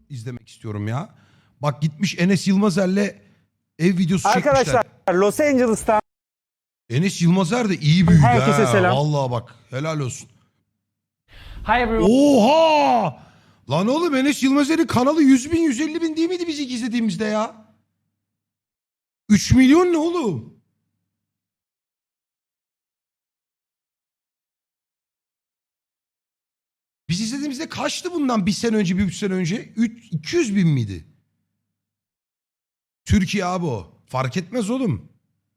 izlemek istiyorum ya. Bak gitmiş Enes Yılmazer'le ev videosu çekmişler. Arkadaşlar Los Angeles'tan Enes Yılmazer de iyi büyüdü herkese ha. selam. Vallahi bak helal olsun. Hi everyone. Oha! Lan oğlum Enes Yılmazer'in kanalı 100 bin 150 bin değil miydi biz ilk izlediğimizde ya? 3 milyon ne oğlum? Biz izlediğimizde kaçtı bundan bir sene önce, bir 3 sene önce? 200 bin miydi? Türkiye abi o. Fark etmez oğlum.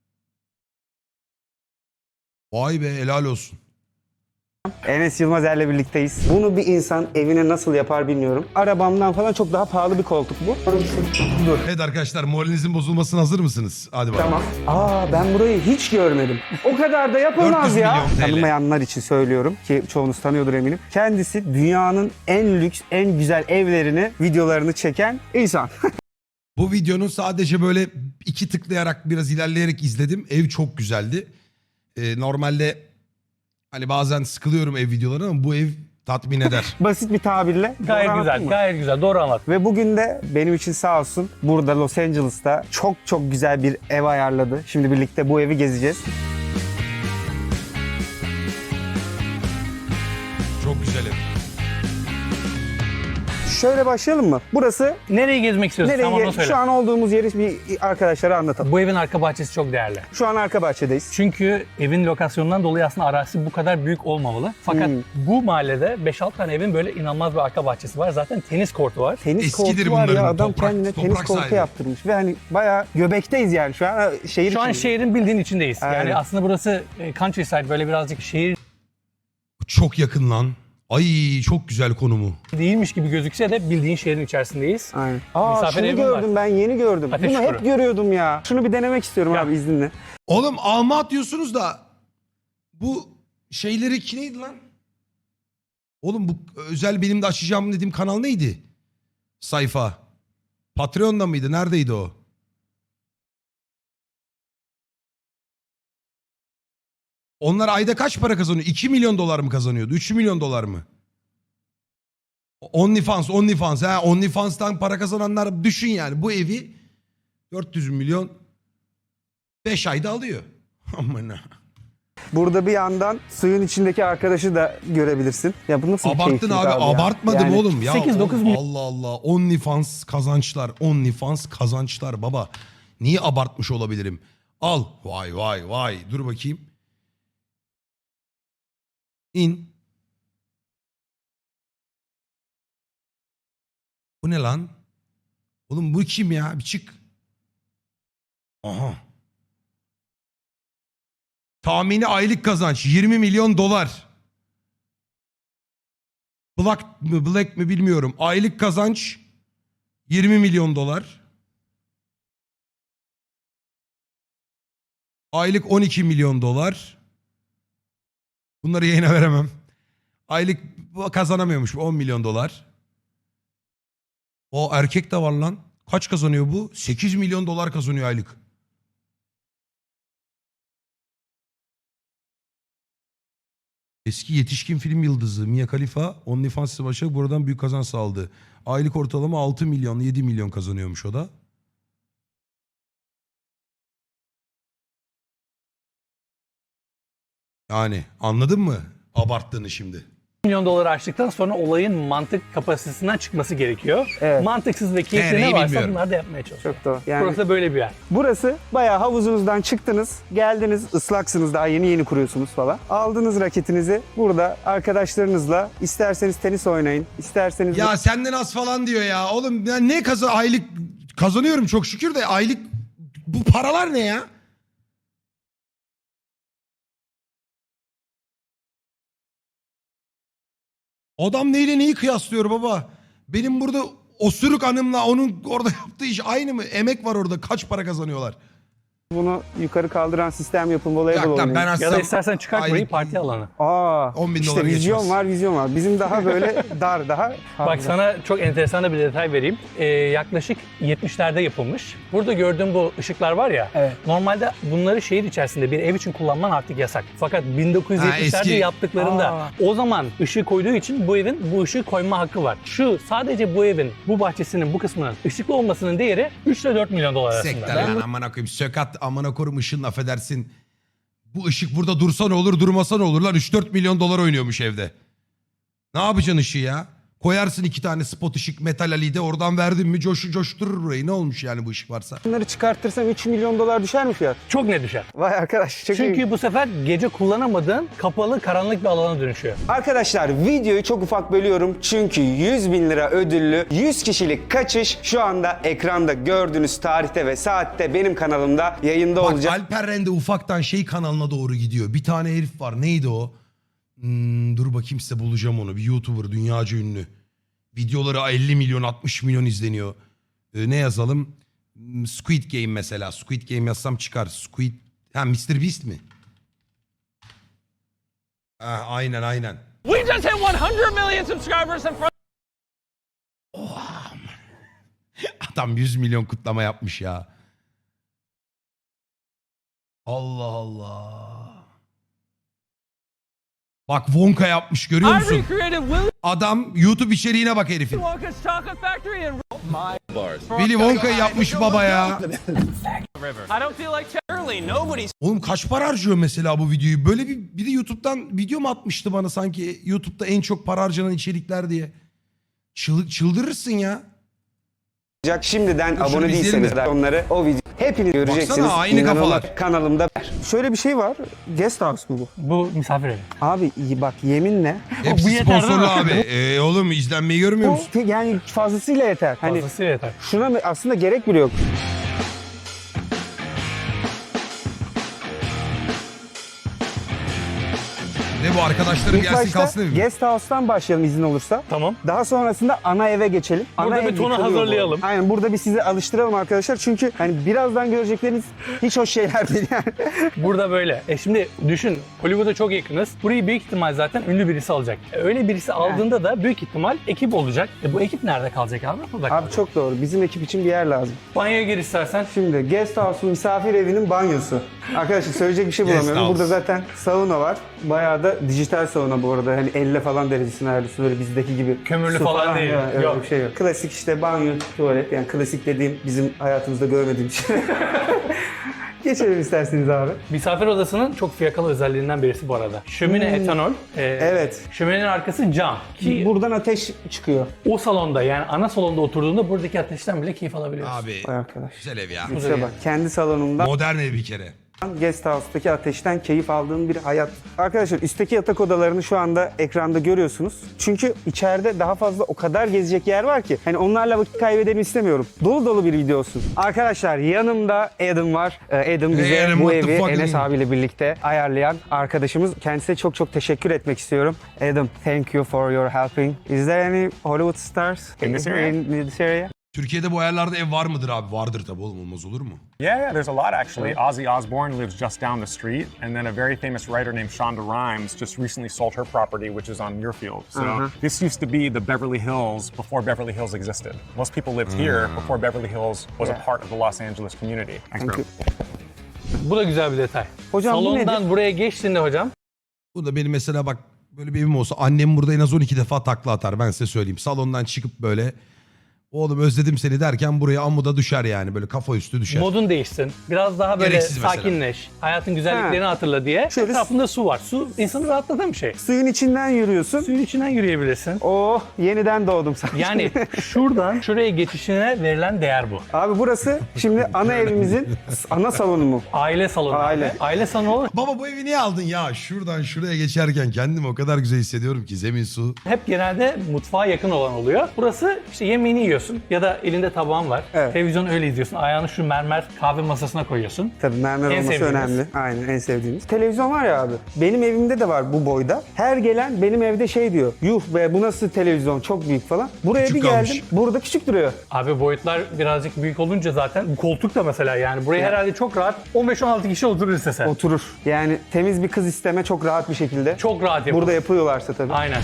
Vay be helal olsun. Enes Yılmazer'le birlikteyiz. Bunu bir insan evine nasıl yapar bilmiyorum. Arabamdan falan çok daha pahalı bir koltuk bu. Dur. Evet arkadaşlar moralinizin bozulmasına hazır mısınız? Hadi bakalım. Tamam. Ben burayı hiç görmedim. O kadar da yapılmaz 400 ya. milyon TL. Tanımayanlar için söylüyorum ki çoğunuz tanıyordur eminim. Kendisi dünyanın en lüks, en güzel evlerini, videolarını çeken insan. Bu videonun sadece böyle 2 tıklayarak biraz ilerleyerek izledim. Ev çok güzeldi. Normalde hani bazen sıkılıyorum ev videoları ama bu ev tatmin eder. Basit bir tabirle. Gayet doğru güzel, anlattın mı? gayet güzel. Doğru anlat. Ve bugün de benim için sağ olsun burada Los Angeles'ta çok güzel bir ev ayarladı. Şimdi birlikte bu evi gezeceğiz. Çok güzel ev. Şöyle başlayalım mı? Burası Nereye gezmek istiyorsun? Sen nereye? onu söyle. Şu an olduğumuz yeri bir arkadaşlara anlatalım. Bu evin arka bahçesi çok değerli. Şu an arka bahçedeyiz. Çünkü evin lokasyonundan dolayı aslında arazisi bu kadar büyük olmamalı. Fakat bu mahallede 5-6 tane evin böyle inanılmaz bir arka bahçesi var. Zaten tenis kortu var. Tenis Eskidir kortu var ya, bunların, adam toprak- kendine tenis toprak kortu sahibi. yaptırmış. Ve hani bayağı göbekteyiz yani şu an şehir Şu an içindeyiz. şehrin bildiğin içindeyiz. Aynen. Yani aslında burası countryside, böyle birazcık şehir Çok yakın lan. Ay çok güzel konumu. değilmiş gibi gözükse de bildiğin şehrin içerisindeyiz. Aynen. Misafir Şunu evim gördüm var. ben yeni gördüm. Ateş Bunu hep Çukuru. görüyordum ya. Şunu bir denemek istiyorum Ya. abi izninle. Oğlum Almat diyorsunuz da bu şeyleri ki neydi lan? Oğlum bu özel benim de açacağım dediğim kanal neydi? Sayfa. Patreon'da mıydı? Neredeydi o? Onlar ayda kaç para kazanıyor? 2 milyon dolar mı kazanıyordu? 3 milyon dolar mı? OnlyFans. Ha, OnlyFans'tan para kazananlar düşün yani. Bu evi 400 milyon 5 ayda alıyor. Aman. Burada bir yandan suyun içindeki arkadaşı da görebilirsin. Ya bu nasıl bir Abarttın keyiflik abi, ya? abartmadım Yani oğlum. Ya 8-9 oğlum, milyon. Allah Allah. OnlyFans kazançlar baba. Niye abartmış olabilirim? Al. Vay. Dur bakayım. İn. Bu ne lan? Oğlum bu kim ya? Bir çık. Aha. Tahmini aylık kazanç 20 milyon dolar. Black mi bilmiyorum. Aylık kazanç 20 milyon dolar. Aylık 12 milyon dolar. Bunları yayına veremem. Aylık kazanamıyormuş 10 milyon dolar. O erkek de var lan. Kaç kazanıyor bu? 8 milyon dolar kazanıyor aylık. Eski yetişkin film yıldızı Mia Khalifa OnlyFans başa buradan büyük kazanç sağladı. Aylık ortalama 6 milyon 7 milyon kazanıyormuş o da. Yani anladın mı abarttığını şimdi? milyon doları aştıktan sonra olayın mantık kapasitesinden çıkması gerekiyor. Evet. Mantıksız ve keyifli Nereyi ne varsa bilmiyorum. bunlar da yapmaya çalışıyor. Çok doğru. Yani Burası böyle bir yer. burası bayağı havuzunuzdan çıktınız, geldiniz, ıslaksınız, daha yeni kuruyorsunuz falan. Aldınız raketinizi burada arkadaşlarınızla isterseniz tenis oynayın, isterseniz Ya senden az falan diyor ya. Oğlum ben ne aylık kazanıyorum çok şükür de aylık bu paralar ne ya? Adam neyle neyi kıyaslıyor baba? Benim burada osuruk hanımla onun orada yaptığı iş aynı mı? Emek var orada. Kaç para kazanıyorlar? Bunu yukarı kaldıran sistem yapın, voleybol Yok lan oynayın. ben Ya da aslında istersen çıkart burayı parti alanı. 10.000 $10.000 işte vizyon geçmez. var, vizyon var. Bizim daha böyle dar, daha Bak sana çok enteresan da bir detay vereyim. Yaklaşık 70'lerde yapılmış. Burada gördüğüm bu ışıklar var ya. Evet. Normalde bunları şehir içerisinde bir ev için kullanman artık yasak. Fakat 1970'lerde eski. yaptıklarında o zaman ışığı koyduğu için bu evin bu ışığı koyma hakkı var. Şu sadece bu evin, bu bahçesinin, bu kısmının ışıklı olmasının değeri 3 ile 4 milyon dolar arasında. Sekter lan amına koyayım. Sökat amına korum ışığın affedersin. Bu ışık burada dursa ne olur durmasa ne olur lan 3-4 milyon dolar oynuyormuş evde. Ne yapacaksın ışığı ya? Koyarsın 2 tane spot ışık metal alide oradan verdin mi coşturur burayı. Ne olmuş yani bu ışık varsa? bunları çıkartırsam 3 milyon dolar düşer mi fiyat? Çok ne düşer? Vay arkadaş çok iyi. Çünkü bu sefer gece kullanamadığın kapalı, karanlık bir alana dönüşüyor. Arkadaşlar videoyu çok ufak bölüyorum çünkü 100.000 lira ödüllü 100 kişilik kaçış şu anda ekranda gördüğünüz tarihte ve saatte benim kanalımda yayında Bak olacak. Alper Rende ufaktan şey kanalına doğru gidiyor. Bir tane herif var. Neydi o? Dur bakayım size bulacağım onu. Bir YouTuber dünyaca ünlü. Videoları 50 milyon 60 milyon izleniyor. Ne yazalım? Squid Game mesela. Squid Game yazsam çıkar. Mr. Beast mi? Ha, aynen. We just hit 100 million subscribers in front. Adam 100 milyon kutlama yapmış ya. Allah Allah. Bak Wonka yapmış görüyor I musun? recreated Willy Adam YouTube içeriğine bak herifin. Wonka's Chocolate Factory in Willy Wonka'yı yapmış baba ya. I don't feel like Charlie. Nobody's Oğlum kaç para harcıyor mesela bu videoyu? Böyle biri YouTube'dan video mu atmıştı bana sanki YouTube'da en çok para harcanan içerikler diye. Çıldırırsın ya. Şimdiden Şunu abone izleyelim değilseniz de. onları o video hepiniz göreceksiniz. Baksana, aynı İnanılmaz. kafalar. Kanalımda. Şöyle bir şey var. Guest house mu bu? Bu misafir evi. Abi bak yeminle. Hepsi Bu yeter sponsorlu değil mi? abi. Oğlum izlenmeyi görmüyor Bu musun? yani fazlasıyla yeter. Hani Fazlasıyla yeter. şuna aslında gerek bile yok. Ne bu arkadaşlarım İlk gelsin başta kalsın evi. guest house'tan başlayalım izin olursa. Tamam. Daha sonrasında ana eve geçelim. Burada Ana bir ev tonu yıkılıyor bu hazırlayalım. arada. Aynen burada bir sizi alıştıralım arkadaşlar. Çünkü hani birazdan görecekleriniz hiç hoş şeyler değil yani. Burada böyle. Şimdi düşün, Hollywood'a çok yakınız. Burayı büyük ihtimal zaten ünlü birisi alacak. Öyle birisi aldığında da büyük ihtimal ekip olacak. Bu ekip nerede kalacak abi? Burada Abi kalacak. çok doğru. Bizim ekip için bir yer lazım. Banyoya gir istersen. Şimdi guest house'un misafir evinin banyosu. Arkadaşlar söyleyecek bir şey Guest bulamıyorum. house. Burada zaten sauna var. Bayağı da dijital sauna bu arada. Hani 50 falan derecesine ayarlıyorsun. Böyle bizdeki gibi. Kömürlü Su falan değil. ya, öyle Yok. bir şey yok. Klasik işte banyo, tuvalet. Yani klasik dediğim bizim hayatımızda görmediğim şey. Geçelim isterseniz abi. Misafir odasının çok fiyakalı özelliğinden birisi bu arada. Şömine etanol. Evet. Şöminenin arkası cam. Ki Buradan ateş çıkıyor. o salonda yani ana salonda oturduğunda buradaki ateşten bile keyif alabiliyorsun. Abi Vay arkadaş. güzel ev ya. İşte bak kendi salonumdan Modern ev bir kere. guest house'taki ateşten keyif aldığım bir hayat. Arkadaşlar üstteki yatak odalarını şu anda ekranda görüyorsunuz. Çünkü içeride daha fazla o kadar gezecek yer var ki. Hani onlarla vakit kaybedelim istemiyorum. Dolu dolu bir video olsun. Arkadaşlar yanımda Adam var. Adam bize Adam, bu what the evi fuck Enes Adam? abiyle birlikte ayarlayan arkadaşımız. Kendisine çok çok teşekkür etmek istiyorum. Adam, thank you for your helping. Is there any Hollywood stars In this area? in this area? Türkiye'de bu ayarlarda ev var mıdır abi? Vardır tabii oğlum olmaz olur mu? Yeah, there's a lot actually. Ozzy Osbourne lives just down the street, and then a very famous writer named Shonda Rhimes just recently sold her property, which is on Muirfield. So this used to be the Beverly Hills before Beverly Hills existed. Most people lived here before Beverly Hills was a part of the Los Angeles community. Thanks, bro. Bu da güzel bir detay. Hocam bu Salondan nedir? buraya geçtiğinde hocam Bu da benim mesela bak böyle bir evim olsa annem burada en az 12 defa takla atar ben size söyleyeyim. Salondan çıkıp böyle oğlum özledim seni derken buraya amuda düşer yani böyle kafa üstü düşer. modun değişsin. Biraz daha böyle Gereksiz mesela. sakinleş. Hayatın güzelliklerini hatırla diye. Şöyle- Etrafında su var. Su insanı rahatlatan bir şey. Suyun içinden yürüyorsun. Suyun içinden yürüyebilirsin. Oh, yeniden doğdum sanki. Yani şuradan şuraya geçişine verilen değer bu. Abi burası şimdi ana evimizin ana salonu mu? Aile salonu. Aile. Abi. Aile salonu Baba bu evi niye aldın ya? Şuradan şuraya geçerken kendimi o kadar güzel hissediyorum ki zemin su. hep genelde mutfağa yakın olan oluyor. Burası işte yemeğini yiyorsun. oturuyorsun ya da elinde tabağın var. Evet. Televizyon öyle izliyorsun. Ayağını şu mermer kahve masasına koyuyorsun. Tabii mermer En olması sevdiğimiz. önemli. Aynen en sevdiğimiz. Televizyon var ya abi. Benim evimde de var bu boyda. Her gelen benim evde şey diyor. Yuh be bu nasıl televizyon çok büyük falan. Buraya Küçük bir geldim. kalmış. Burada küçük duruyor. Abi boyutlar birazcık büyük olunca zaten bu koltuk da mesela yani buraya herhalde çok rahat 15-16 kişi oturur istese. Oturur. Yani temiz bir kız isteme çok rahat bir şekilde. Çok rahat yapılır. Burada yapıyorlarsa tabii. Aynen.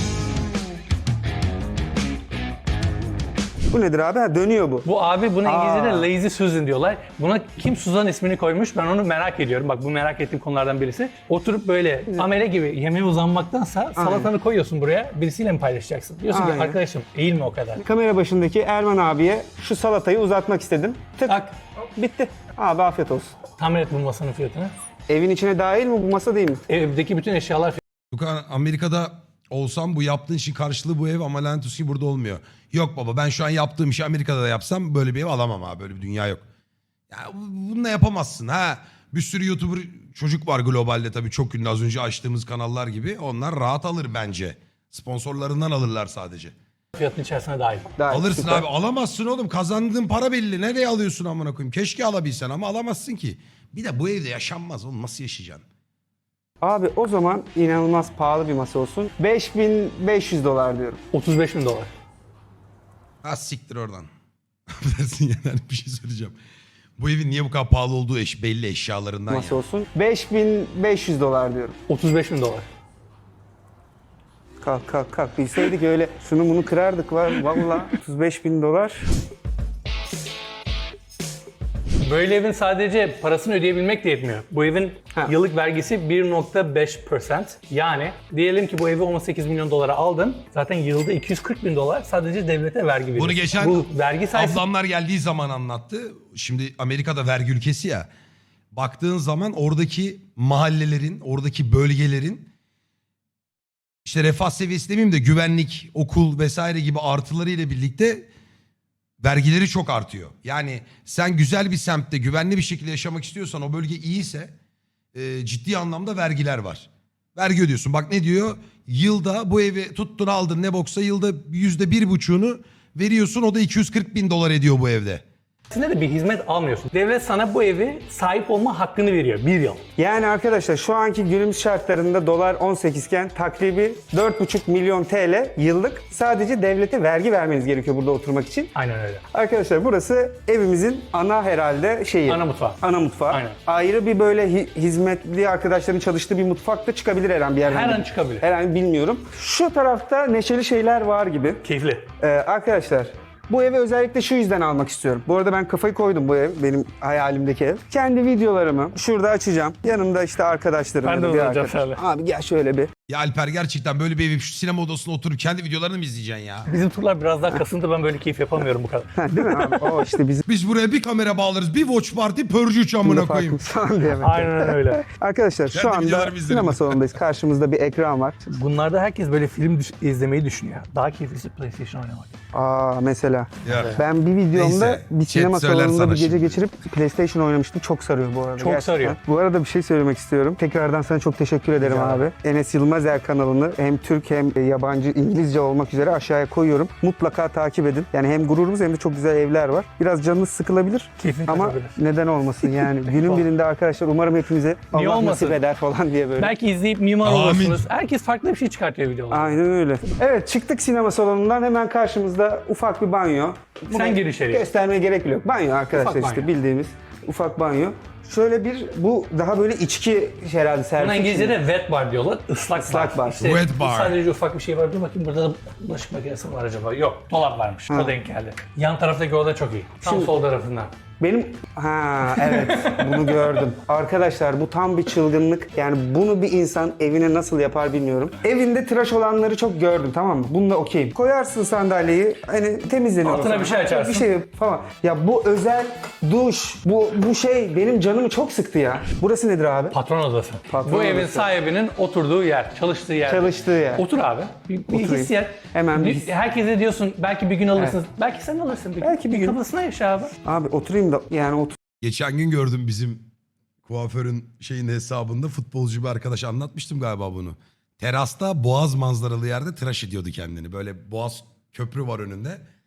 Bu nedir abi? Ha, dönüyor bu. Bu abi buna Aa. İngilizce'de Lazy Susan diyorlar. Buna kim Suzan ismini koymuş ben onu merak ediyorum. Bak bu merak ettiğim konulardan birisi. Oturup böyle amele gibi yemeğe uzanmaktansa salatanı koyuyorsun buraya birisiyle mi paylaşacaksın? Diyorsun ki Aynen. arkadaşım eğilme o kadar. Kamera başındaki Erman abiye şu salatayı uzatmak istedim. Tık. Tak. Bitti. Abi afiyet olsun. Tahmin et bu masanın fiyatını. Evin içine dahil mi bu masa değil mi? Evdeki bütün eşyalar Luka, Amerika'da olsam bu yaptığın işin karşılığı bu ev ama lanet olsun ki burada olmuyor. Yok baba ben şu an yaptığım işi Amerika'da da yapsam böyle bir ev alamam abi. Böyle bir dünya yok. Ya bununla yapamazsın ha. Bir sürü YouTuber çocuk var globalde tabii çok ünlü az önce açtığımız kanallar gibi. Onlar rahat alır bence. Sponsorlarından alırlar sadece. fiyatının içerisine dahil. Dahil. Alırsın Süper. abi alamazsın oğlum. Kazandığın para belli. Nereye alıyorsun amına koyayım? Keşke alabilsen ama alamazsın ki. Bir de bu evde yaşanmaz oğlum. Nasıl yaşayacaksın? Abi o zaman inanılmaz pahalı bir masa olsun. $5.500 diyorum. 35 bin dolar. Ha siktir oradan. Affedersin yani bir şey söyleyeceğim. Bu evin niye bu kadar pahalı olduğu belli eşyalarından Masa ya. olsun. $5.500 diyorum. 35 bin dolar. Kalk kalk kalk. Bilseydik öyle şunu bunu kırardık var. Vallahi $35.000. Böyle evin sadece parasını ödeyebilmek de yetmiyor. Bu evin Ha. yıllık vergisi 1.5%. Yani diyelim ki bu evi 18 milyon dolara aldın. Zaten yılda 240 bin dolar sadece devlete vergi veriyorsun. Bunu geçen Bu vergi sayısı ablamlar geldiği zaman anlattı. Şimdi Amerika'da vergi ülkesi ya. Baktığın zaman oradaki mahallelerin, oradaki bölgelerin işte refah seviyesi demeyeyim de güvenlik, okul vesaire gibi artıları ile birlikte vergileri çok artıyor. Yani sen güzel bir semtte güvenli bir şekilde yaşamak istiyorsan o bölge iyiyse ciddi anlamda vergiler var. Vergi ödüyorsun. Bak ne diyor? Yılda bu evi tuttun aldın ne boksa yılda %1,5'unu veriyorsun. O da 240 bin dolar ediyor bu evde. de bir hizmet almıyorsun. Devlet sana bu evi sahip olma hakkını veriyor 1 yıl. Yani arkadaşlar şu anki günümüz şartlarında dolar 18 iken takribi 4,5 milyon TL yıllık sadece devlete vergi vermeniz gerekiyor burada oturmak için. Aynen öyle. Arkadaşlar burası evimizin ana herhalde şeyi. Ana mutfağı. Ana mutfağı. Aynen. Ayrı bir böyle hizmetli arkadaşların çalıştığı bir mutfak da çıkabilir her an bir yerden. Her an çıkabilir. Her an bilmiyorum. Şu tarafta neşeli şeyler var gibi. Keyifli. Arkadaşlar bu evi özellikle şu yüzden almak istiyorum. Bu arada ben kafayı koydum bu ev. Benim hayalimdeki ev. Kendi videolarımı şurada açacağım. Yanımda işte arkadaşlarım. Ben ya de da bir olacağım arkadaş. şöyle. Abi gel şöyle bir. Ya Alper gerçekten böyle bir evi şu sinema odasına oturup kendi videolarını mı izleyeceksin ya? Bizim turlar biraz daha kasıntı, ben böyle keyif yapamıyorum bu kadar. Ha, değil mi abi? O işte bizim Biz buraya bir kamera bağlarız, bir watch party, purge 3 amına koyayım. farkımız falan diye. Aynen öyle. Arkadaşlar şu Kendi anda videolarımı izlerim. sinema salonundayız. Karşımızda bir ekran var. Bunlarda herkes böyle film izlemeyi düşünüyor. Daha keyiflisi PlayStation oynamak. Aa mesela. Ya. Ben bir videomda Neyse, bir chat sinema söyler salonunda sana bir gece şimdi. geçirip PlayStation oynamıştım. Çok sarıyor bu arada. Çok gerçekten. sarıyor. Bu arada bir şey söylemek istiyorum. Tekrardan sana çok teşekkür ederim abi. Enes Yılmazer kanalını hem Türk hem yabancı İngilizce olmak üzere aşağıya koyuyorum. Mutlaka takip edin. Yani hem gururumuz hem de çok güzel evler var. Biraz canınız sıkılabilir Keyfin ama kaçabilir. neden olmasın yani. Günün birinde arkadaşlar umarım hepimize Niye Allah olmasın? nasip eder falan diye böyle. Belki izleyip mimar Amin. olursunuz. Herkes farklı bir şey çıkartıyor videolarda. Aynen öyle. Evet çıktık sinema salonundan hemen karşımızda ufak bir banyo. Sen gir içeriye. Göstermeye gerek bile yok. Banyo arkadaşlar Ufak işte banyo. bildiğimiz ufak banyo. Şöyle bir bu daha böyle içki herhalde servis. Buna için. İngilizce'de wet bar diyorlar. Islak, Islak bar. İşte Wet bar. Sadece ufak bir şey var. Dur bakayım burada da bulaşık makinesi mi var acaba? Yok. Dolap varmış. O denk geldi. Yan taraftaki oda çok iyi. Tam Şimdi- sol tarafından. Benim evet bunu gördüm. Arkadaşlar bu tam bir çılgınlık. Yani bunu bir insan evine nasıl yapar bilmiyorum. Evinde tıraş olanları çok gördüm tamam mı? Bununla okeyim. Koyarsın sandalyeyi hani temizlenir. Altına o zaman. bir şey açarsın. Bir şey falan. Ya bu özel duş, bu şey benim canımı çok sıktı ya. Burası nedir abi? Patron odası. Patron Bu evin odası. sahibinin oturduğu yer, çalıştığı yer. Çalıştığı yer. Otur abi. Bir Oturayım. hissiyat. Hemen bir his- Herkese diyorsun belki bir gün alırsınız. Belki sen alırsın. Belki bir gün. Kafasına yaşa abi. Abi oturayım da yani otur. Geçen gün gördüm bizim kuaförün şeyin hesabında futbolcu bir arkadaş anlatmıştım galiba bunu. Terasta boğaz manzaralı yerde tıraş ediyordu kendini. Böyle boğaz köprü var önünde.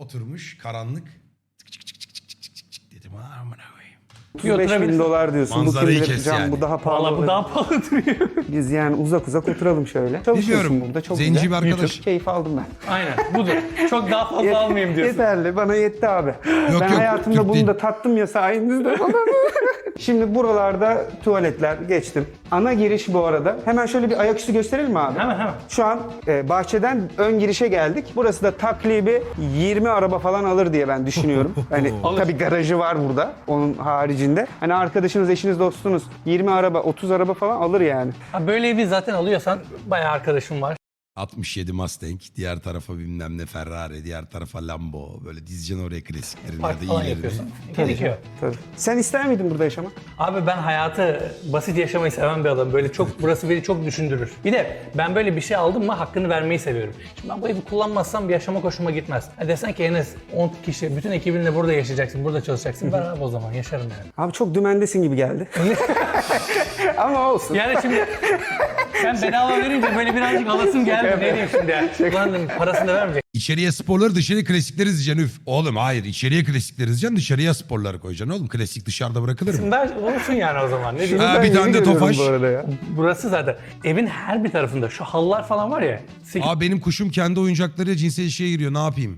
Oturmuş karanlık. Tık tık tık tık tık tık tık tık dedim. Amına koyayım. 35 bin oturabilirsin. dolar diyorsun. Manzarayı bu kim kes bilir, yani. bu daha pahalı. Valla bu olur. daha pahalı duruyor. Biz yani uzak oturalım şöyle. Çalışıyorsun Biliyorum. burada çok Zenci güzel. bir arkadaş. Keyif aldım ben. Aynen budur. Çok daha fazla almayayım diyorsun. Yeterli, bana yetti abi. Ben yok, hayatımda Türk bunu değil. da tattım ya sayenizde falan. Şimdi buralarda tuvaletler geçtim. Ana giriş bu arada. Hemen şöyle bir ayaküstü gösterelim mi abi? Hemen. Şu an bahçeden ön girişe geldik. Burası da takribi 20 araba falan alır diye ben düşünüyorum. Hani Alır. tabii garajı var burada onun haricinde. Hani arkadaşınız, eşiniz, dostunuz 20 araba, 30 araba falan alır yani. Ha, böyle evi zaten alıyorsan bayağı arkadaşım var. 67 Mustang, diğer tarafa bilmem ne Ferrari, diğer tarafa Lambo. Böyle dizeceksin oraya klasiklerini ya Park da falan iyilerini. yapıyorsun. Gerekiyor. Tabii. Sen ister miydin burada yaşamak? Abi ben hayatı basit yaşamayı seven bir adamım. Böyle çok burası beni çok düşündürür. Bir de ben böyle bir şey aldım mı hakkını vermeyi seviyorum. Şimdi ben bu evi kullanmazsam bir yaşama hoşuma gitmez. Ha desen ki Enes 10 kişi bütün ekibinle burada yaşayacaksın, burada çalışacaksın. Ben abi o zaman yaşarım yani. Abi çok dümendesin gibi geldi. Ama olsun. Yani şimdi sen bedava verince böyle birazcık alasım geldi. Ne diyeyim şimdi yani. Ulan dedim, parasını da vermeyecek. İçeriye sporları, dışarıya klasikleri dizeceksin. Üf. Oğlum hayır, içeriye klasikleri dizeceksin, dışarıya sporları koyacaksın oğlum. Klasik dışarıda bırakılır mı? Ben olsun yani o zaman. Ne diyeyim? Ha, Ben bir yeni tane de görüyorum Tofaş. bu arada ya. Burası zaten evin her bir tarafında şu halılar falan var ya. Aa, benim kuşum kendi oyuncaklarıyla cinsel ilişkiye giriyor. Ne yapayım?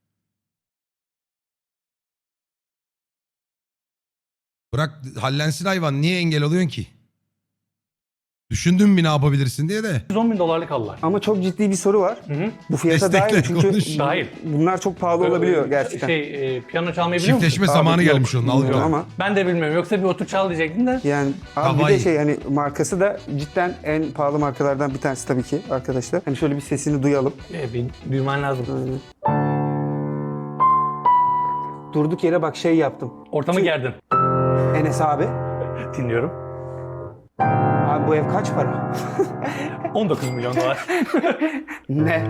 Bırak hallensin hayvan. Niye engel oluyorsun ki? Düşündün mü ne yapabilirsin diye de. 110 bin dolarlık halılar. Ama çok ciddi bir soru var. Bu fiyata Destekle, dahil çünkü konuş. Dahil. bunlar çok pahalı olabiliyor gerçekten. Piyano çalmayı biliyor musun? Çiftleşme Abi zamanı yok, gelmiş onun. Al bilmiyorum bir ama Ben de bilmiyorum. Yoksa bir otur çal diyecektim de. yani abi bir Hawaii. de şey hani markası da cidden en pahalı markalardan bir tanesi tabii ki arkadaşlar. Hani şöyle bir sesini duyalım. Bir duyman lazım. Durduk yere bak şey yaptım. Ortamı gerdin. Enes abi. Dinliyorum. Abi bu ev kaç para? 19 milyon dolar. Ne?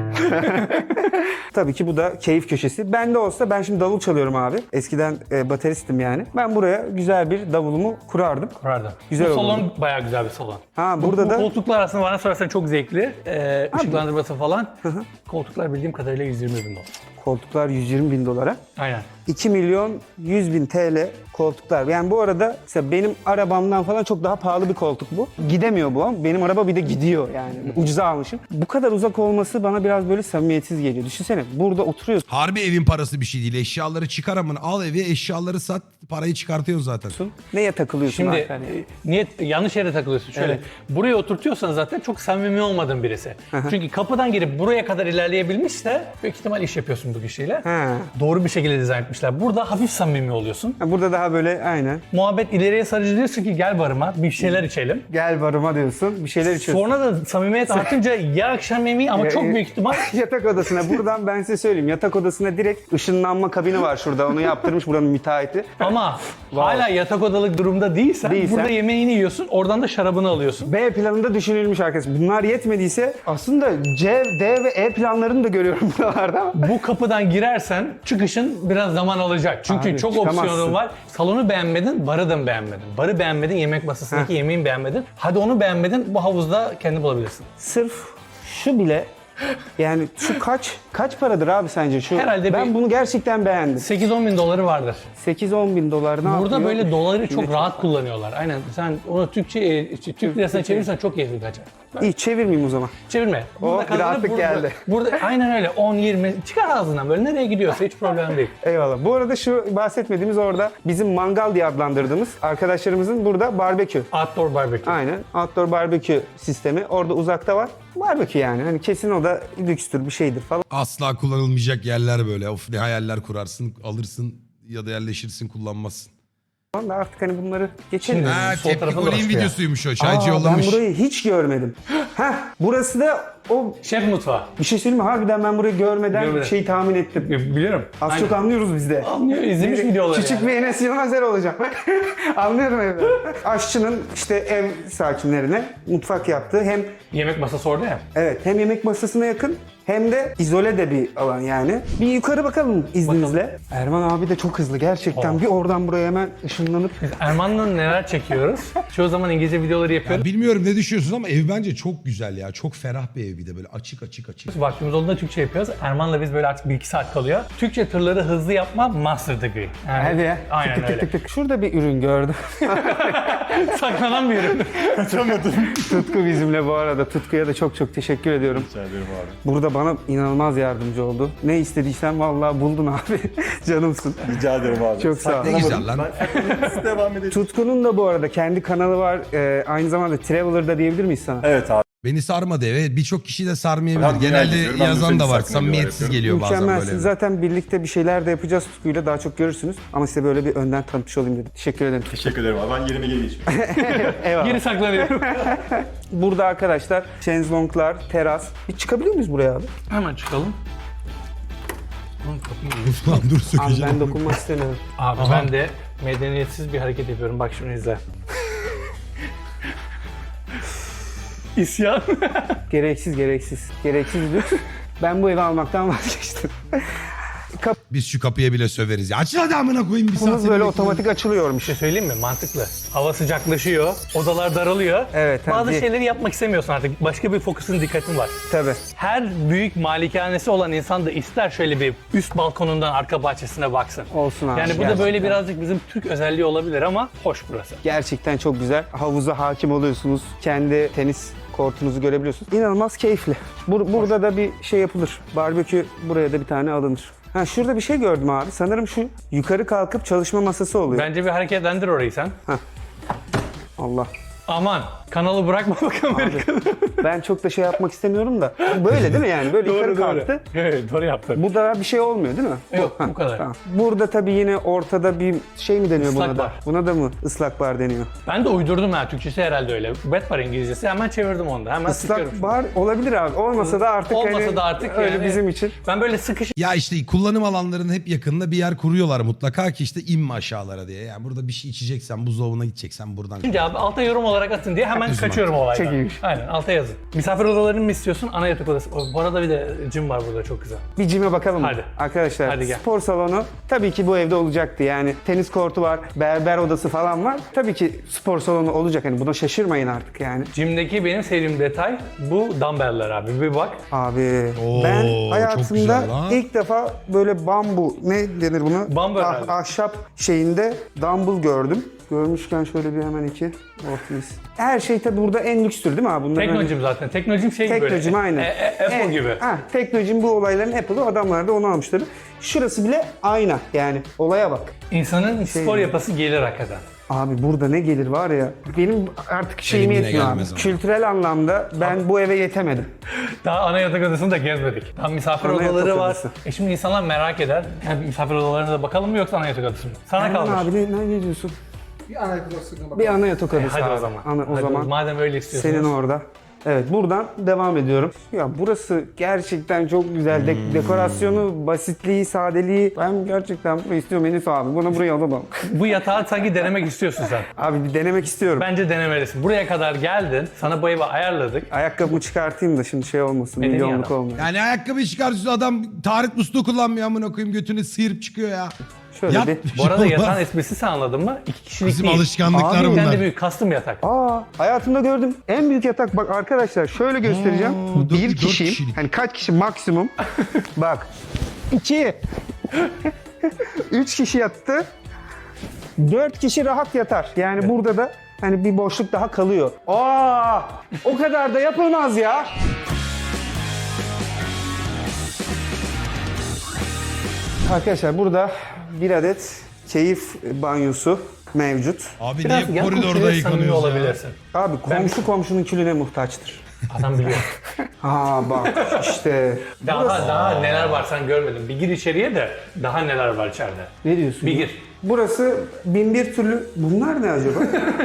Tabii ki bu da keyif köşesi. Ben de olsa ben şimdi davul çalıyorum abi. Eskiden bateristim yani. Ben buraya güzel bir davulumu kurardım. Kurardı. Güzel bu oldu. salon bayağı güzel bir salon. Ha burada Bu da koltuklar aslında bana sorarsan çok zevkli. Işıklandırması falan. Koltuklar bildiğim kadarıyla 120 bin dolar. koltuklar 120 bin dolara. Aynen. 2 milyon 100 bin TL koltuklar. Yani bu arada mesela benim arabamdan falan çok daha pahalı bir koltuk bu. Gidemiyor bu ama benim araba bir de gidiyor yani. Ucuza almışım. Bu kadar uzak olması bana biraz böyle samimiyetsiz geliyor. Düşünsene burada oturuyorsun. Harbi evin parası bir şey değil. Eşyaları çıkar amına. Al evi, eşyaları sat, parayı çıkartıyorsun zaten. Neye takılıyorsun Şimdi abi hani? niye yanlış yere takılıyorsun? Şöyle Evet. buraya oturtuyorsan zaten çok samimi olmadığın birisi. Çünkü kapıdan girip buraya kadar ilerleyebilmişse büyük ihtimal iş yapıyorsun bu kişiyle. Ha. Doğru bir şekilde dizayn etmişler. Burada hafif samimi oluyorsun. Ha, burada daha böyle aynen. Muhabbet ileriye sarıcı diyorsun ki gel barıma bir şeyler içelim. Gel barıma diyorsun. Bir şeyler içiyorsun. Sonra da samimiyet artınca ya akşam yemeği ama çok büyük ihtimal Yatak odasına. Buradan ben size söyleyeyim. Yatak odasına direkt ışınlanma kabini var şurada. Onu yaptırmış buranın müteahhiti. ama hala yatak odalık durumda değilsen, Değilsen- burada yemeğini yiyorsun oradan da şarabını alıyorsun. B planında düşünülmüş arkadaşlar. Bunlar yetmediyse aslında C, D ve E planlarını da görüyorum buralarda ama. Bu kapıdan girersen çıkışın biraz zaman alacak. Çünkü Abi, çok çıkamazsın. opsiyonun var. Salonu beğenmedin, barı da mı beğenmedin? Barı beğenmedin, yemek masasındaki yemeğini beğenmedin. Hadi onu beğenmedin, bu havuzda kendi bulabilirsin. Sırf şu bile yani şu kaç paradır abi sence şu? Herhalde ben bir- bunu gerçekten beğendim. 8-10 bin doları vardır. 8-10 bin dolar ne Burada yapıyor? böyle doları çok Şimdi rahat kullanıyorlar. Aynen sen onu Türk lirasına çevirirsen çok keyifli kaçar. İyi çevirmeyeyim o zaman. Çevirme. Oh, bir kazanıp rahatlık geldi. Burada aynen öyle 10-20 çıkar ağzından böyle nereye gidiyorsa hiç problem değil. Eyvallah. Bu arada şu bahsetmediğimiz orada bizim mangal diye adlandırdığımız arkadaşlarımızın burada barbekü. Outdoor barbecue. Aynen. Outdoor barbekü sistemi. Orada uzakta var. Barbekü yani. Hani kesin o da lükstür bir şeydir falan. Asla kullanılmayacak yerler böyle. Of ne hayaller kurarsın, alırsın ya da yerleşirsin, kullanmazsın. Da artık hani bunları geçelim. Şimdi- Ha, sol tepki tarafında golün başka ya. videosuymuş o. Çaycı Ben yollamış. burayı hiç görmedim. Heh, burası da o Şef mutfağı. bir şey söyleyeyim mi? Harbiden ben burayı görmeden Görmeden. şeyi tahmin ettim. Biliyorum. Az Aynen. çok anlıyoruz biz de. Anlıyor, izlemiş videoları Küçük yani. bir Enes Yılmazer olacağım. Anlıyorum evde. Aşçının işte ev sakinlerine mutfak yaptığı hem Yemek masası orada ya. evet hem yemek masasına yakın hem de izole de bir alan yani. Bir yukarı bakalım izninizle. Erman abi de çok hızlı gerçekten. Oh. Bir oradan buraya hemen ışınlanıp Erman'la neler çekiyoruz. Çoğu zaman İngilizce videoları yapıyorum. Bilmiyorum ne düşünüyorsunuz ama ev bence çok güzel ya. Çok ferah bir ev ev bir de böyle açık. Vaktimiz olduğunda Türkçe yapıyoruz. Erman'la biz böyle artık 1-2 saat kalıyor. Türkçe tırları hızlı yapma master degree. Yani, Hadi ya. aynen tık, öyle. tık tık tık. Şurada bir ürün gördüm. Saklanan bir ürün. Tutku bizimle bu arada. Tutku'ya da çok çok teşekkür ediyorum. Rica ederim abi. Burada bana inanılmaz yardımcı oldu. Ne istediysen vallahi buldun abi. Canımsın. Rica ederim abi. Çok sağ ol. Ne güzel lan. Devam edelim. Tutku'nun da bu arada kendi kanalı var. Aynı zamanda Traveler'da diyebilir miyiz sana? Evet abi. Beni sarmadı eve. Birçok kişi de sarmayabilir. Ben dünyayı Genelde geziyorum. Ben yazan da bütün var. saklanıyorlar Samimiyetsiz yapıyorum. geliyor bazen Mükemmelsiniz. böyle. Zaten birlikte bir şeyler de yapacağız Tutku'yla. Daha çok görürsünüz. Ama size böyle bir önden tanıtmış olayım dedim. Teşekkür ederim. Teşekkür ederim abi. Ben yerime geri geçeyim. Eyvallah. Geri saklanıyorum. Burada arkadaşlar şezlonglar, teras. Bir çıkabiliyor muyuz buraya abi? Hemen çıkalım. Lan dur Abi sökeceğim. ben dokunmak istemiyorum. Abi ben de medeniyetsiz bir hareket yapıyorum. Bak şunu izle. İsyan. Gereksiz. Gereksiz lüks. Ben bu evi almaktan vazgeçtim. Biz şu kapıya bile söveriz ya. Açın hadi amına koyayım bir saat. Kapımız seni böyle bekliyorum. otomatik açılıyormuş. Bir şey söyleyeyim mi? Mantıklı. Hava sıcaklaşıyor, odalar daralıyor. Evet, Bazı tabii. şeyleri yapmak istemiyorsun artık. Başka bir fokusun, dikkatin var. Tabii. Her büyük malikanesi olan insan da ister şöyle bir üst balkonundan arka bahçesine baksın. Olsun abi. Yani bu da gerçekten. böyle birazcık bizim Türk özelliği olabilir ama hoş burası. Gerçekten çok güzel. Havuza hakim oluyorsunuz. Kendi tenis kortunuzu görebiliyorsunuz. İnanılmaz keyifli. Burada da bir şey yapılır. Barbekü buraya da bir tane alınır. Ha şurada bir şey gördüm abi. Sanırım şu yukarı kalkıp çalışma masası oluyor. Bence bir hareketlendir orayı sen. Allah. Aman kanalı bırakma bak Amerika'da. Ben çok da şey yapmak istemiyorum da. Böyle değil mi yani? Böyle yukarı kalktı. Evet doğru yaptın. Burada bir şey olmuyor değil mi? Yok, bu kadar. Tamam. Burada tabii yine ortada bir şey mi deniyor Islak buna da? bar. Buna da mı ıslak bar deniyor? Ben de uydurdum ha. Türkçesi herhalde öyle. Wet bar İngilizcesi. Hemen çevirdim onu da. Hemen sıkıyorum. Islak bar olabilir abi. Olmasa da artık Olmasa hani da artık öyle yani. bizim için. Ben böyle sıkış Ya işte kullanım alanlarının hep yakınında bir yer kuruyorlar mutlaka ki işte inme aşağılara diye. Yani burada bir şey içeceksen, buzdolabına gideceksen buradan. Şimdi abi alta yorum olarak atın diye hemen Üzüm kaçıyorum olaydan. Çok iyiymiş. Aynen alta yazın. Misafir odalarını mı istiyorsun? Ana yatak odası. Bu arada bir de cim var burada çok güzel. Bir cime bakalım mı? Hadi. Arkadaşlar Hadi gel. spor salonu tabii ki bu evde olacaktı. Yani tenis kortu var, berber odası falan var. Tabii ki spor salonu olacak. Hani buna şaşırmayın artık yani. Cimdeki benim sevdiğim detay bu dumbbell'ler abi. Bir bak. Abi Oo, ben çok hayatımda güzel lan. ilk defa böyle bambu ne denir buna? Bambu herhalde. Ahşap şeyinde dumbbell gördüm. Görmüşken şöyle bir hemen iki. Oh mis. Her şey tabii burada en lükstür değil mi abi? Bunların Teknocim zaten. Teknocim şey gibi böyle. Teknocim aynen. Apple gibi. Ha, Teknocim bu olayların Apple'ı. Adamlar da onu almışlar. Şurası bile ayna yani. Olaya bak. İnsanın spor yapası gelir hakikaten. Abi burada ne gelir var ya. Benim artık şeyim yine yetmiyor abi. gelmez ama. Kültürel anlamda ben bu eve yetemedim. Daha ana yatak odasını da gezmedik. Daha misafir Ana yatak odaları var. odası. Şimdi insanlar merak eder. Yani misafir odalarına da bakalım mı yoksa ana yatak odası mı? Sana Erman kalmış. abi ne diyorsun? Bir ana yatak odasına Bir ana yatak odası Hadi abi. o zaman. O Hadi zaman madem öyle istiyorsunuz. senin orada. Evet buradan devam ediyorum. Ya burası gerçekten çok güzel. Dekorasyonu, basitliği, sadeliği. Ben gerçekten burayı istiyorum Enis abi. Bunu buraya alamam. Bu yatağı sanki denemek istiyorsun sen. Abi bir denemek istiyorum. Bence denemelisin. Buraya kadar geldin. Sana bu evi ayarladık. Ayakkabımı çıkartayım da şimdi şey olmasın. Medeni Milyonluk adam. olmuyor. Yani ayakkabı çıkartıyorsun adam taharet musluğu kullanmıyor amına koyayım götünü sıyırıp çıkıyor ya. Şöyle Yat. bir... Bu arada Olmaz. yatağın esprisi sen anladın mı? 2 kişilik Bizim değil. alışkanlıklar Abi, Bir bunlar. tane de büyük custom yatak. Hayatımda gördüm en büyük yatak. Bak arkadaşlar şöyle göstereceğim. dört- Bir dört kişiyim. kişilik. Hani kaç kişi maksimum? Bak. 2. 3 kişi yattı. 4 kişi rahat yatar. Yani burada da hani bir boşluk daha kalıyor. O kadar da yapılmaz ya. Arkadaşlar burada bir adet keyif banyosu mevcut. Abi Biraz niye yan koridorda komşuya samimi yıkanıyoruz ya? olabilirsin. Abi komşunun külüne muhtaçtır. Adam biliyor. Bak işte. Daha neler var sen görmedin. Bir gir içeriye de daha neler var içeride. Ne diyorsun? Bir ya? gir. Burası bin bir türlü... Bunlar ne acaba?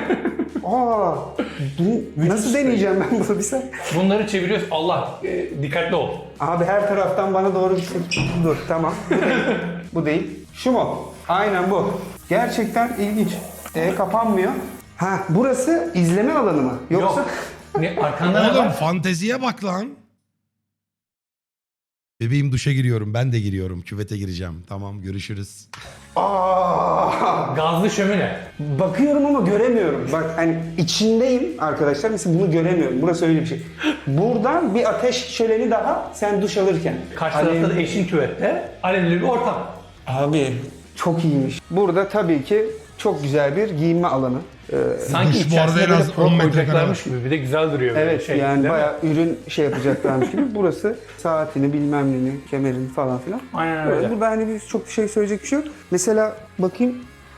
Nasıl deneyeceğim ben bunu bir sen? Bunları çeviriyoruz. Allah dikkatli ol. Abi her taraftan bana doğru bir şey... Dur tamam. Bu değil. Bu değil. Şu mu? Aynen bu. Gerçekten ilginç. Kapanmıyor. Burası izleme alanı mı? Yoksa... Yok. Arkandan ne Oğlum var? fanteziye bak lan. Bebeğim duşa giriyorum. Ben de giriyorum. Küvete gireceğim. Tamam görüşürüz. Gazlı şömine. Bakıyorum ama göremiyorum. Bak hani içindeyim arkadaşlar. Mesela bunu göremiyorum. Burası öyle bir şey. Buradan bir ateş şöleni daha sen duş alırken. Karşı tarafta da eşin küvette. Alevli bir ortam. Abi çok iyiymiş. Burada tabii ki çok güzel bir giyinme alanı. Sanki Duş bu arada içerisinde en böyle az pro 10 metrekare koyacaklarmış gibi. Bir de güzel duruyor böyle Evet şey. yani değil mi? bayağı ürün şey yapacaklarmış gibi. Burası saatini bilmem neni, kemerini falan filan. Aynen öyle. Burada hani bir çok bir şey söyleyecek bir şey yok. Mesela bakayım.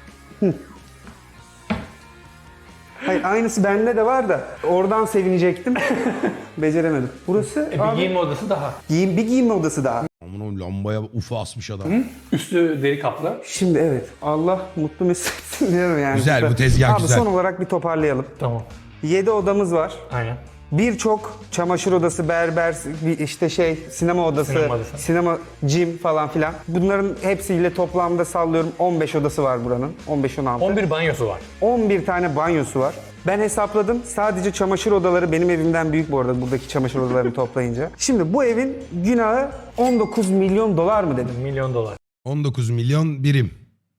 Hayır aynısı bende de var da oradan sevinecektim. Beceremedim. Burası Bir abi, giyinme odası daha. bir giyinme odası daha. Aman o lambaya ufa asmış adam. Üstü deri kaplı. Şimdi evet Allah mutlu mesut etsin diyorum yani. Güzel, bu tezgah abi, güzel. son olarak bir toparlayalım. Tamam. 7 odamız var. Aynen. Birçok çamaşır odası, berber, işte sinema odası, sinema, gym falan filan. Bunların hepsiyle toplamda sallıyorum 15 odası var buranın. 15-16. 11 banyosu var. 11 tane banyosu var. Ben hesapladım. Sadece çamaşır odaları benim evimden büyük bu arada buradaki çamaşır odalarını toplayınca. Şimdi bu evin günahı 19 milyon dolar mı dedim? Milyon dolar. 19 milyon birim.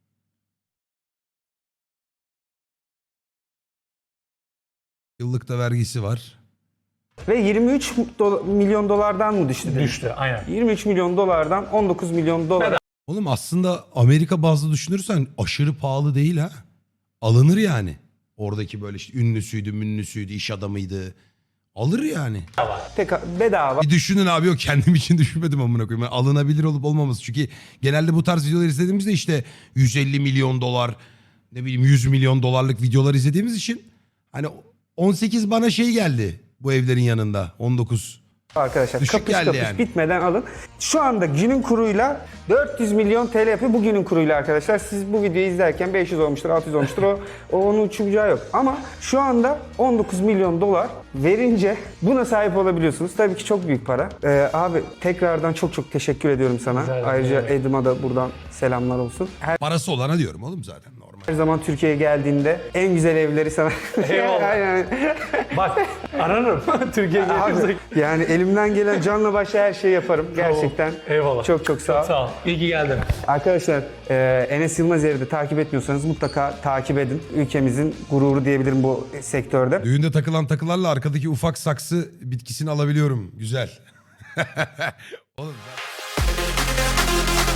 Yıllık da vergisi var. Ve 23 milyon dolardan mı düştü dedim? Düştü aynen. 23 milyon dolardan 19 milyon dolar. Oğlum aslında Amerika bazlı düşünürsen aşırı pahalı değil ha. Alınır yani. Oradaki böyle işte ünlüsüydü, münlüsüydü, iş adamıydı. Alır yani. Bedava. Bir düşünün abi, yok kendim için düşünmedim amına koyayım. Yani alınabilir olup olmaması. Çünkü genelde bu tarz videolar izlediğimizde işte 150 milyon dolar, ne bileyim 100 milyon dolarlık videolar izlediğimiz için hani 18 bana şey geldi bu evlerin yanında. 19. Arkadaşlar Düşük kapış geldi kapış yani. bitmeden alın. Şu anda günün kuruyla 400 milyon TL yapıyor bugünün kuruyla arkadaşlar. Siz bu videoyu izlerken 500 olmuştur, 600 olmuştur. O onun uçacağı yok. Ama şu anda 19 milyon dolar verince buna sahip olabiliyorsunuz. Tabii ki çok büyük para. Abi tekrardan çok çok teşekkür ediyorum sana. Güzel, Ayrıca evet. Edim'a da buradan selamlar olsun. Parası olana diyorum oğlum zaten normal. Her zaman Türkiye'ye geldiğinde en güzel evleri sana... Eyvallah. Yani- Bak ararım. Türkiye'ye gelirsek. Abi, yani elimden gelen canla başla her şeyi yaparım. Gerçekten. Eyvallah. Çok çok sağ ol. Sağ ol. İyi ki geldin. Arkadaşlar Enes Yılmaz Er'i de takip etmiyorsanız mutlaka takip edin. Ülkemizin gururu diyebilirim bu sektörde. Düğünde takılan takılarla arkadaki ufak saksı bitkisini alabiliyorum. Güzel. Oğlum